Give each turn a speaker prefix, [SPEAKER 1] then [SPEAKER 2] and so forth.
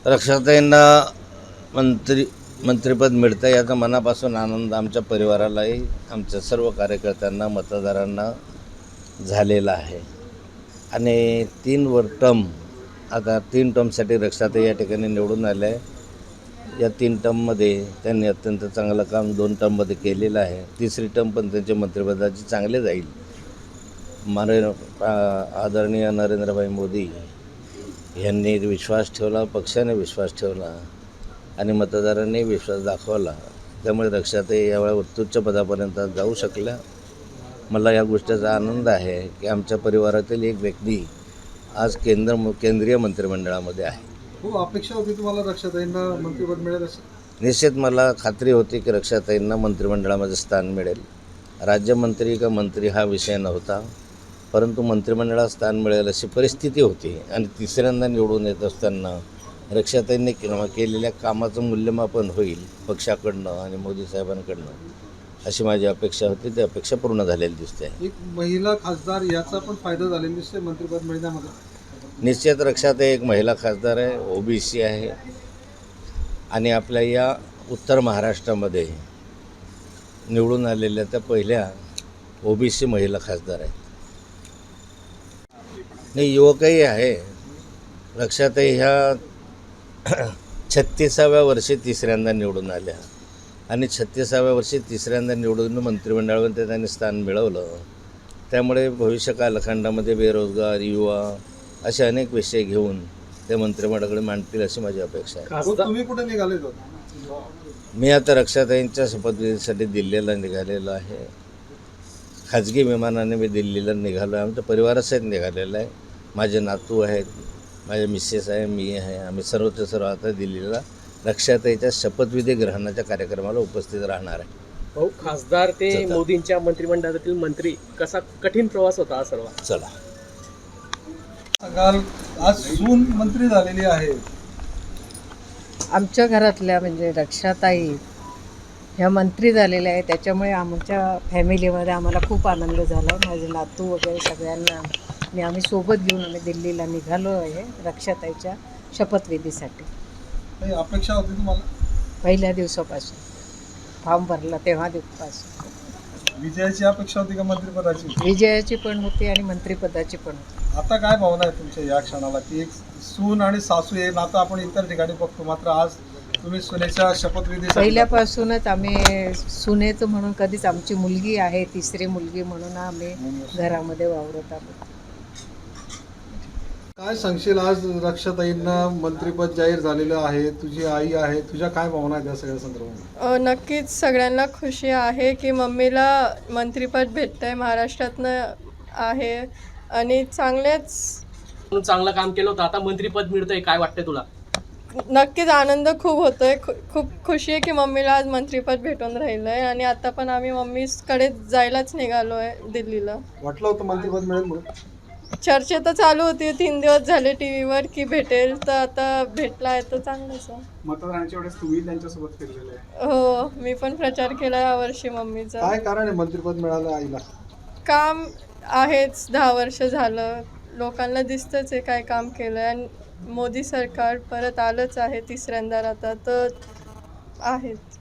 [SPEAKER 1] रक्षाताईंना मंत्रिपद मिळतं याचा मनापासून आनंद आमच्या परिवारालाही, आमच्या सर्व कार्यकर्त्यांना, मतदारांना झालेला आहे. आणि 3 टर्म, आता 3 टर्मसाठी रक्षाताई या ठिकाणी निवडून आल्या आहे. या 3 टर्ममध्ये त्यांनी अत्यंत चांगलं काम 2 टर्ममध्ये केलेलं आहे. 3री टर्म पण त्यांच्या मंत्रिपदाची चांगले जाईल. आदरणीय नरेंद्रभाई मोदी यांनी विश्वास ठेवला, पक्षाने विश्वास ठेवला आणि मतदारांनी विश्वास दाखवला. त्यामुळे रक्षाताई यावेळी उत्तुच्च पदापर्यंत जाऊ शकल्या. मला या गोष्टीचा आनंद आहे की आमच्या परिवारातील एक व्यक्ती आज केंद्रीय मंत्रिमंडळामध्ये आहे.
[SPEAKER 2] खूप अपेक्षा होती तुम्हाला रक्षाताईंना मंत्रिपद मिळेल असं?
[SPEAKER 1] निश्चित मला खात्री होती की रक्षाताईंना मंत्रिमंडळामध्ये स्थान मिळेल. राज्यमंत्री का मंत्री हा विषय नव्हता, परंतु मंत्रिमंडळात स्थान मिळेल अशी परिस्थिती होती. आणि 3ऱ्यांदा निवडून येत असताना रक्षाताईंनी केलेल्या कामाचं मूल्यमापन होईल पक्षाकडनं आणि मोदी साहेबांकडनं, अशी माझी अपेक्षा होती. ती अपेक्षा पूर्ण झालेली दिसते.
[SPEAKER 2] एक महिला खासदार याचा पण फायदा झालेला दिसतोय मंत्रिपद मिळण्यामध्ये.
[SPEAKER 1] निश्चित रक्षाताई एक महिला खासदार आहे, OBC आहे आणि आपल्या या उत्तर महाराष्ट्रामध्ये निवडून आलेल्या त्या पहिल्या OBC महिला खासदार आहेत. नाही, युवकही आहे. रक्षाताई ह्या 36व्या वर्षी 3ऱ्यांदा निवडून आल्या आणि 36व्या वर्षी 3ऱ्यांदा निवडून मंत्रिमंडळामध्ये त्यांनी स्थान मिळवलं. त्यामुळे भविष्य कालखंडामध्ये बेरोजगार, युवा असे अनेक विषय घेऊन ते मंत्रिमंडळाकडे मांडतील अशी माझी अपेक्षा आहे.
[SPEAKER 2] तुम्ही कुठे निघाले होते?
[SPEAKER 1] मी आता रक्षाताईंच्या शपथविधीसाठी दिल्लीला निघालेलो आहे. खाजगी विमानाने मी दिल्लीला निघालो आहे. आमच्या परिवारासहित निघालेलं आहे. माझे नातू आहेत, माझे मिसेस आहे, मी आहे. आम्ही सर्वच्या सर्व आता दिल्लीला रक्षाताईच्या शपथविधी ग्रहणाच्या कार्यक्रमाला उपस्थित राहणार आहे.
[SPEAKER 3] भाऊ, खासदार ते मोदींच्या मंत्रिमंडळातील मंत्री, कसा कठीण प्रवास होता हा सर्व?
[SPEAKER 1] चला,
[SPEAKER 2] आज सून मंत्री झालेली आहे.
[SPEAKER 4] आमच्या घरातल्या म्हणजे रक्षाताई ह्या मंत्री झालेल्या आहे, त्याच्यामुळे आमच्या फॅमिलीमध्ये आम्हाला खूप आनंद झाला. माझे नातू वगैरे सगळ्यांना आम्ही सोबत घेऊन आम्ही दिल्लीला निघालो आहे रक्षाताईच्या शपथविधीसाठी.
[SPEAKER 2] काही अपेक्षा होती तुम्हाला?
[SPEAKER 4] पहिल्या दिवसापासून फॉर्म भरला तेव्हा दिवसापासून
[SPEAKER 2] विजयाची अपेक्षा होती का मंत्रिपदाची?
[SPEAKER 4] विजयाची पण होती आणि मंत्रिपदाची पण होती.
[SPEAKER 2] आता काय भावना आहे तुमच्या या क्षणाला की एक सून आणि सासू हे नातं आपण इतर ठिकाणी बघतो, मात्र आज तुम्ही सुनेच्या शपथविधी
[SPEAKER 4] पहिल्यापासूनच आम्ही सुनेचं म्हणून कधीच, आमची मुलगी आहे 3री मुलगी म्हणून आम्ही घरामध्ये वावरत आहोत.
[SPEAKER 2] काय सांगशील? आज रक्षाताईंना मंत्रिपद जाहीर झालेलं आहे, तुझी आई आहे, तुझ्या काय भावना आहेत या सगळ्या संदर्भात?
[SPEAKER 5] नक्कीच सगळ्यांना खुशी आहे की मम्मीला मंत्रिपद भेटतंय, महाराष्ट्रातनं आहे आणि
[SPEAKER 3] चांगलं काम केलं होतं, आता मंत्रिपद मिळतंय, काय वाटतंय तुला?
[SPEAKER 5] नक्कीच आनंद खूप होतोय. खूप खुशी आहे की मम्मीला आज मंत्रिपद भेटून राहिलं आहे आणि आता पण आम्ही मम्मीकडे जायलाच निघालो आहे दिल्लीला.
[SPEAKER 2] वाटलं होतं मंत्रिपद मिळेल म्हणून?
[SPEAKER 5] चर्चा तर चालू होती 3 दिवस झाले टीव्हीवर की भेटेल, तर आता भेटला आहे तर चांगलंच आहे.
[SPEAKER 2] मतदानाच्या वेळेस तुम्ही त्यांच्यासोबत फिरलेले आहे.
[SPEAKER 5] हो, मी पण प्रचार केला यावर्षी मम्मीचा.
[SPEAKER 2] काय कारण आहे मंत्रिपद मिळालं आईला? काम
[SPEAKER 5] आहेच, 10 वर्ष झालं, लोकांना दिसतंच आहे काय काम केलं आहे. आणि मोदी सरकार परत आलंच आहे 3ऱ्यांदा आता, तर आहेच.